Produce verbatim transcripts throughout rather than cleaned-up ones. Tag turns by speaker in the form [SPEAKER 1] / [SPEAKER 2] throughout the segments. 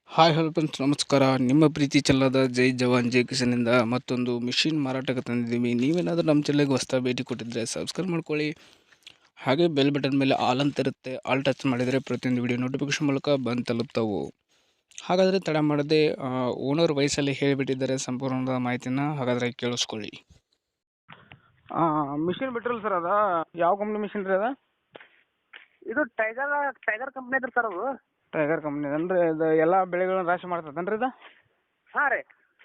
[SPEAKER 1] Hi hello friends ನಮಸ್ಕಾರ. ನಿಮ್ಮ ಪ್ರೀತಿ ಚೆಲ್ಲದ ಜೈ ಜವಾನ್ ಜೈ ಕಿಸನಿಂದ ಮತ್ತೊಂದು ಮಿಷಿನ್ ಮಾರಾಟಕ್ಕೆ ತಂದಿದ್ದೀವಿ. ನೀವೇನಾದರೂ ನಮ್ಮ ಚಾನಲ್ಗೆ ಹೊಸ್ದಾಗಿ ಭೇಟಿ ಕೊಟ್ಟಿದ್ದರೆ ಸಬ್ಸ್ಕ್ರೈಬ್ ಮಾಡ್ಕೊಳ್ಳಿ. ಹಾಗೆ ಬೆಲ್ ಬಟನ್ ಮೇಲೆ ಆಲ್ ಅಂತ ಇರುತ್ತೆ. ಆಲ್ ಟಚ್ ಮಾಡಿದರೆ ಪ್ರತಿಯೊಂದು ವಿಡಿಯೋ ನೋಟಿಫಿಕೇಶನ್ ಮೂಲಕ ಬಂದು ತಲುಪ್ತಾವು. ಹಾಗಾದರೆ ತಡ ಮಾಡದೆ ಓನರ್ ವಯಸ್ಸಲ್ಲಿ ಹೇಳಿಬಿಟ್ಟಿದ್ದಾರೆ ಸಂಪೂರ್ಣದ ಮಾಹಿತಿನ. ಹಾಗಾದರೆ ಕೇಳಿಸ್ಕೊಳ್ಳಿ. ಮಿಷಿನ್ ಬಿಟ್ರಲ್ಲ ಸರ್, ಅದ ಯಾವ ಕಂಪ್ನಿ ಮಿಷಿನ್ ರೀ? ಅದ
[SPEAKER 2] ಇದು ಟೈಗರ್ ಟೈಗರ್ ಕಂಪ್ನಿ ಐತ್ರಿ ಸರ್ ಅದು.
[SPEAKER 1] ಟೈಗರ್ ಕಂಪ್ನಿ ಅಂದ್ರೆ ಇದು ಎಲ್ಲ ಬೆಳೆಗಳನ್ನ ರಾಶಿ ಮಾಡ್ತದನ್ರಿ ಇದು?
[SPEAKER 2] ಹಾಂ ರೀ,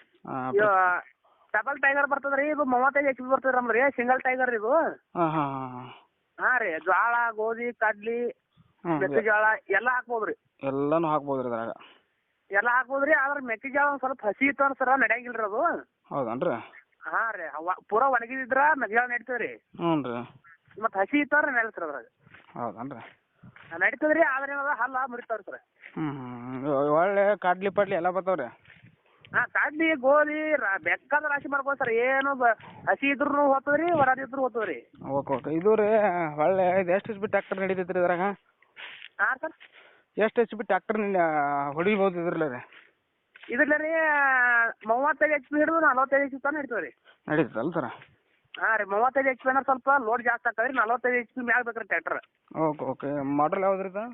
[SPEAKER 2] ಡಬಲ್ ಟೈಗರ್ ಬರ್ತದೆ ರೀ. ಇದು ಮೂವತ್ತೈದು ಎಚ್ ಪಿ ಬರ್ತದೆ ನಮ್ದು ರೀ, ಸಿಂಗಲ್ ಟೈಗರ್ ಇದು.
[SPEAKER 1] ಹಾಂ ಹಾಂ ಹಾಂ
[SPEAKER 2] ಹಾಂ ರೀ, ಜೋಳ ಗೋಧಿ ಕಡ್ಲಿ ಮೆಕ್ಕೆಜೋಳ ಎಲ್ಲ ಹಾಕ್ಬೋದು ರೀ.
[SPEAKER 1] ಎಲ್ಲಾನು ಹಾಕ್ಬೋದು ರೀ ಅದ್ರಾಗ?
[SPEAKER 2] ಎಲ್ಲ ಹಾಕ್ಬೋದು ರೀ. ಆದ್ರೆ ಮೆಕ್ಕೆಜೋಳ ಒಂದು ಸ್ವಲ್ಪ ಹಸಿ ಇತ್ತು ಅಂದ್ರೆ ಸರ ನಡೆಯಂಗಿಲ್ಲ ರೀ ಅದು.
[SPEAKER 1] ಹೌದನ್ರಿ?
[SPEAKER 2] ಹಾಂ ರೀ, ಪೂರ ಒಣಗಿದ್ರ ಮೆಕ್ಕೆಜೋಳ ನಡೀತದೆ ರೀ.
[SPEAKER 1] ಹ್ಞೂ ರೀ.
[SPEAKER 2] ಮತ್ತು ಹಸಿ ಇತ್ತು ಅಂದ್ರೆ ನಡೆಯುತ್ತೆ ಅದ್ರಾಗ.
[SPEAKER 1] ಹೌದನ್ರಿ?
[SPEAKER 2] ನಡೀತದೆ ರೀ. ಆದ್ರೆ ಏನದ ಹಲ್ಲ ಮುರಿತಾವ್ರಿ ಸರ್.
[SPEAKER 1] ಹ್ಞೂ ಹ್ಞೂ ಒಳ್ಳೆ ಕಾಡ್ಲಿ ಪಾಡ್ಲಿ ಎಲ್ಲ ಬರ್ತಾವೆ ರೀ?
[SPEAKER 2] ಹಾಂ, ಕಡ್ಲಿ ಗೋಧಿ ಬೇಕಾದ ರಾಶಿ ಮಾಡ್ಬೋದು ಸರ್. ಏನು ಬ ಹಸಿ ಇದ್ರೂ ಹೋಗ್ತದೆ ರೀ, ಒಣದಿದ್ರು ಹೋಗ್ತದೆ ರೀ.
[SPEAKER 1] Okay okay. ಇದು ರೀ ಒಳ್ಳೆ ಇದು ಎಷ್ಟು ಎಚ್ ಬಿ ಟ್ಯಾಕ್ಟರ್ ನಡೀತೈತೆ ರೀ ಇದ್ರಾಗ?
[SPEAKER 2] ಹಾಂ ಸರ್,
[SPEAKER 1] ಎಷ್ಟು ಎಚ್ ಬಿ ಟ್ಯಾಕ್ಟರ್ ಹೊಡಿಬೋದು ಇದ್ರಲ್ಲ ರೀ?
[SPEAKER 2] ಇದ್ರಲ್ಲ ರೀ ಮೂವತ್ತೈದು ಎಚ್ ಪಿ ಹಿಡಿದು ನಲ್ವತ್ತೈದು ಎಚ್ ಪಿ ತನಕ ನಡೀತದೆ ರೀ.
[SPEAKER 1] ನಡೀತದಲ್ಲ ಸರ್?
[SPEAKER 2] ಹಾಂ ರೀ, ಮೂವತ್ತೈದು ಎಚ್ ಪಿ ಅಂದ್ರೆ ಸ್ವಲ್ಪ ಲೋಡ್ ಜಾಸ್ತಿ ಆಗ್ತದೆ ರೀ. ನಲ್ವತ್ತೈದು ಎಚ್ ಪಿ ಮ್ಯಾಗ ಬೇಕು ರೀ ಟ್ಯಾಕ್ಟರ್.
[SPEAKER 1] Okay okay. ಮಾಡಲ್ ಯಾವ್ದು ರೀ ಇದು?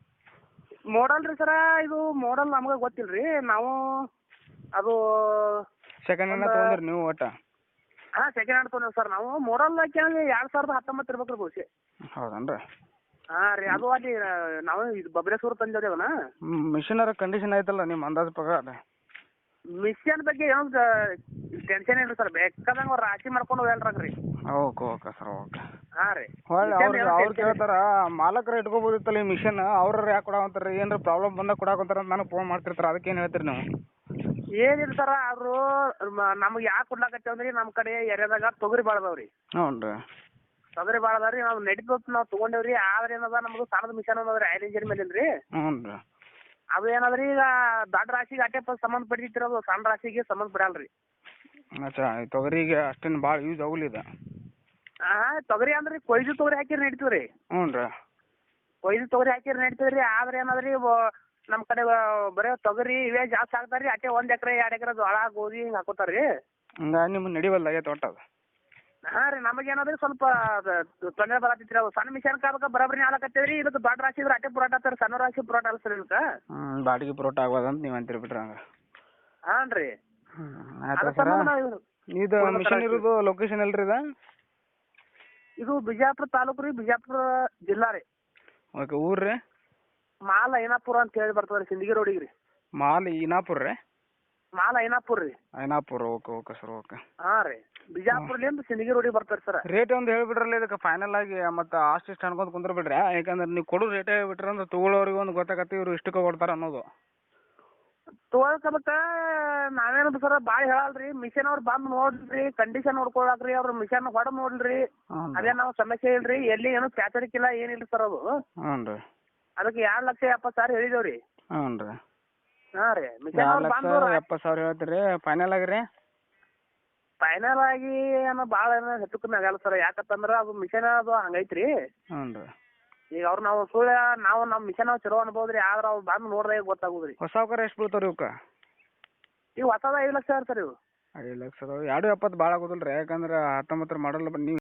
[SPEAKER 2] ಮಾಡಲ್ ರೀ ಸರ, ಇದು ಮಾಡಲ್ ನಮ್ಗೆ ಗೊತ್ತಿಲ್ಲ ರೀ. ನಾವು ಅದು
[SPEAKER 1] ಸೆಕೆಂಡ್ ಹ್ಯಾಂಡ್ ತೊಗೊಂಡ್ರಿ ನೀವು ಒಟ್ಟು?
[SPEAKER 2] ಹಾಂ, ಸೆಕೆಂಡ್ ಹ್ಯಾಂಡ್ ತೊಗೊಂಡಿವಿ ಸರ್ ನಾವು. ಮಾಡಲ್ ಕೇಳಿ ಎರಡು ಸಾವಿರದ ಹತ್ತೊಂಬತ್ತು ಇರ್ಬೇಕು ರೀ ಬಹುಶಃ.
[SPEAKER 1] ಹೌದನ್ರಿ?
[SPEAKER 2] ಹಾಂ ರೀ, ಅದು ಅಲ್ಲಿ ನಾವು ಇದು ಬಬ್ರೇಶ್ವರ ತಂದೇವ್ರಿ ಅದನ್ನ.
[SPEAKER 1] ಮಿಷಿನರ ಕಂಡೀಷನ್ ಆಯ್ತಲ್ಲ ನಿಮ್ಮ ಅಂದಾಜು ಪ್ರಕಾರ?
[SPEAKER 2] ಮಿಷನ್ ಬಗ್ಗೆ ಏನು ಟೆನ್ಷನ್ ಇಲ್ಲ ಸರ್. ಬೇಕಾದಂಗೆ ಅವ್ರು ರಾಶಿ ಮಾಡ್ಕೊಂಡು ಹೋಗಲ್ರಾಗ ರೀ.
[SPEAKER 1] Okay okay sir, okay.
[SPEAKER 2] ಹಾಂ ರೀ,
[SPEAKER 1] ಹೊಳ್ಳಿ ಅವ್ರು ಅವ್ರು ಕೇಳ್ತಾರ ಮಾಲಕರ ಇಟ್ಕೋಬೋದಿತ್ತಲ್ಲ ಈ ಮಿಷನ್, ಅವ್ರ ಯಾಕೆ ಕೊಡಾವಂತಾರ? ಏನಾರ ಪ್ರಾಬ್ಲಮ್ ಬಂದಾಗ ಕೊಡಾಕಂತಾರ ಅಂತ ನನಗೆ ಫೋನ್ ಮಾಡ್ತಿರ್ತಾರೆ. ಅದಕ್ಕೆ ಏನು ಹೇಳ್ತೀರಿ ನೀವು?
[SPEAKER 2] ಏನಿಲ್ಲ ಸರ, ಅವರು ನಮ್ಗೆ ಯಾಕೆ ಕೊಡ್ಲಾಕತ್ತೇವೆ ಅಂದ್ರೆ ನಮ್ಮ ಕಡೆ ಏರಿಯಾದಾಗ ತೊಗರಿ ಭಾಳ ಅದಾವ ರೀ.
[SPEAKER 1] ಹ್ಞೂ ರೀ.
[SPEAKER 2] ತೊಗರಿ ಭಾಳ ಅದಾವ ರೀ. ನಾವು ನಡೀತದೆ ನಾವು ತೊಗೊಂಡೇವಿ ರೀ. ಆದ್ರೆ ಏನದ ನಮ್ದು ಸಣ್ಣದ ಮಿಷನ್ ಅದ ರೀ, ಐದು ಇಂಜಿನ್ ಮೇಲೆ ರೀ.
[SPEAKER 1] ಹ್ಞೂ ರೀ.
[SPEAKER 2] ಅದು ಏನದ್ರಿ ಈಗ ದೊಡ್ಡ ರಾಶಿಗೆ ಅಟ್ಟೆ ಸಂಬಂಧ ಪಡಿತಿರಿ, ಅದು ಸಣ್ಣ ರಾಶಿಗೆ ಸಂಬಂಧ ಪಡಲ್ಲ ರೀ.
[SPEAKER 1] ಅಚ್ಚಾ, ತೊಗರಿಗೆ ಅಷ್ಟೇನು ಭಾಳ ಯೂಸ್ ಆಗುಲಿದ?
[SPEAKER 2] ಹಾಂ, ತೊಗರಿ ಅಂದ್ರೆ ಕೊಯ್ದು ತೊಗರಿ ಹಾಕಿರಿ ನಡೀತೀವಿ ರೀ.
[SPEAKER 1] ಹ್ಞೂ ರೀ.
[SPEAKER 2] ಕೊಯ್ದು ತೊಗರಿ ಹಾಕಿರಿ ನಡೀತೀವಿ ರೀ. ಆದ್ರೆ ಏನದ್ರಿ ನಮ್ಮ ಕಡೆ ಬರೀ ತೊಗರಿ ಇವೇ ಜಾಸ್ತಿ ಹಾಕ್ತಾರೆ ರೀ. ಅಟ್ಟೆ ಒಂದು ಎಕರೆ ಎರಡು ಎಕರೆ ಜೋಳ ಗೋಧಿ ಹಿಂಗೆ ಹಾಕೋತಾರೆ ರೀ.
[SPEAKER 1] ಹಂಗಾಗಿ ನಿಮ್ಗೆ ನಡಿವಲ್ದಾಗೆ ತೋಟ ಅದು?
[SPEAKER 2] ಹಾಂ ರೀ, ನಮಗೇನಾದ್ರಿ ಸ್ವಲ್ಪ ತೊಂದರೆ ಬರತ್ತಿತ್ತು ರೀ. ಅದು ಸಣ್ಣ ಮಿಷನ್ ಕಾಲಕ್ಕೆ ಬರೋಬ್ಬರಿ ಆಲಕತ್ತೇವೆ ರೀ. ಇದಕ್ಕೆ ದೊಡ್ಡ ರಾಶಿ ಇದ್ರೆ ಅಟ್ಟೆ ಪುರಾಟ ಆಗ್ತಾರೆ, ಸಣ್ಣ ರಾಶಿ ಪುರಾಟ ಅಲ್ಲ ಸರ್ ಇದಕ್ಕೆ.
[SPEAKER 1] ಹ್ಞೂ, ಬಾಡಿಗೆ ಪುರೋಟ ಆಗೋದಂತ ನೀವು ಅಂತೀರಿ ಬಿಟ್ರೆ ಹಂಗೆ?
[SPEAKER 2] ಹಾಂ ರೀ.
[SPEAKER 1] ಹ್ಞೂ ಆಯ್ತು ಸರ. ಇದು ಮಿಷನ್ ಇರೋದು ಲೊಕೇಶನ್ ಎಲ್ರಿ ಇದು?
[SPEAKER 2] ಇದು ಬಿಜಾಪುರ ತಾಲೂಕು ರೀ, ಬಿಜಾಪುರ ಜಿಲ್ಲಾ ರೀ.
[SPEAKER 1] ಓಕೆ. ಊರು ರೀ?
[SPEAKER 2] ಮಾಲ್ ಐನಾಪುರ ಅಂತ ಹೇಳಿ ಬರ್ತದೆ ರೀ, ಸಿಂದಗಿ ರೋಡಿಗೆ ರೀ.
[SPEAKER 1] ಮಾಲ್ ಈನಾಪುರ ರೀ?
[SPEAKER 2] ಮಾಲ್ ಐನಾಪುರ ರೀ.
[SPEAKER 1] Ainapur. Okay okay sir, okay.
[SPEAKER 2] ಹಾಂ ರೀ, ಬಿಜಾಪುರಲಿಂದ ಸಿಂದಗಿ ರೋಡಿಗೆ ಬರ್ತಾರೆ ಸರ್.
[SPEAKER 1] ರೇಟ್ ಒಂದು ಹೇಳಿಬಿಡ್ರಲ್ಲ ಇದಕ್ಕೆ ಫೈನಲ್ ಆಗಿ, ಮತ್ತು ಅಷ್ಟು ಇಷ್ಟು ಅನ್ಕೊಂತ ಕುಂದ್ರ ಬಿಡ್ರಿ. ಯಾಕಂದ್ರೆ ನೀವು ಕೊಡೋ ರೇಟೇ ಬಿಟ್ರೆ ಅಂದ್ರೆ ತೊಗೊಳೋರಿಗೆ ಒಂದು ಗೊತ್ತಾಗತ್ತೆ ಇವ್ರು ಇಷ್ಟಕ್ಕೆ ಕೊಡ್ತಾರೆ ಅನ್ನೋದು.
[SPEAKER 2] ತೊಗೊಳಕ್ಕೆ ನಾವೇನದು ಸರ್ ಭಾಳ ಹೇಳಲ್ರಿ. ಮಿಷನ್ ಅವ್ರು ಬಂದು ನೋಡ್ರಿ, ಕಂಡೀಷನ್ ನೋಡ್ಕೊಳಕ್ರಿ, ಅವ್ರ ಮಿಷನ್ ಹೊಡೆದು ನೋಡ್ರಿ. ಅದೇ ನಾವು ಸಮಸ್ಯೆ ಇಲ್ರಿ, ಎಲ್ಲಿ ಏನು ಪ್ಯಾಚರಿಕಿಲ್ಲ ಏನಿಲ್ಲ ಸರ್ ಅದು.
[SPEAKER 1] ಹ್ಞೂ ರೀ.
[SPEAKER 2] ಅದಕ್ಕೆ ಎರಡು ಲಕ್ಷ ಎಪ್ಪತ್ತು ಸಾವಿರ ಹೇಳಿದೇವ್ರಿ.
[SPEAKER 1] ಹ್ಞೂ ರೀ.
[SPEAKER 2] ಹಾಂ ರೀ, ಮಿಷನ್
[SPEAKER 1] ಎರಡು
[SPEAKER 2] ಅವ್ರು
[SPEAKER 1] ಲಕ್ಷ
[SPEAKER 2] ಬಂದು
[SPEAKER 1] ಎಪ್ಪತ್ತು ಸಾವಿರ ಹೇಳ್ತೀರಿ ಫೈನಲ್ ಆಗಿ ರೀ?
[SPEAKER 2] ಫೈನಲ್ ಆಗಿ ಏನೋ ಭಾಳ ಏನೋ ಹೆಚ್ಚು ಕಮ್ಮಿ ಆಗಲ್ಲ ಸರ್. ಯಾಕಂತಂದ್ರೆ ಅದು ಮಿಷನ್ ಅದು ಹಂಗೈತ್ರಿ.
[SPEAKER 1] ಹ್ಞೂ ರೀ.
[SPEAKER 2] ಈಗ ಅವ್ರು ನಾವು ಸುಳ್ಳು ನಾವು ನಮ್ಮ ಮಿಷನ್ ನಾವು ಚಲೋ ಅನ್ಬೋದು ರೀ. ಆದ್ರೆ ಅವ್ರು ಬಂದು ನೋಡಿದಾಗ ಗೊತ್ತಾಗೋದು ರೀ.
[SPEAKER 1] ಹೊಸ ಅವಕಾರ ಎಷ್ಟು ಬೀಳ್ತಾವೆ ರೀ ಇವಕ್ಕೆ?
[SPEAKER 2] ಈಗ ಹೊಸದ ಐದು ಲಕ್ಷ ಸರ್ ಇವು.
[SPEAKER 1] ಐದು ಲಕ್ಷ ಅದಾವೆ. ಎರಡು ಎಪ್ಪತ್ತು ಭಾಳ ಆಗೋದಿಲ್ಲ ರೀ, ಯಾಕಂದ್ರೆ ಹತ್ತೊಂಬತ್ತರ ಮಾಡಲ್ಲ ನೀವು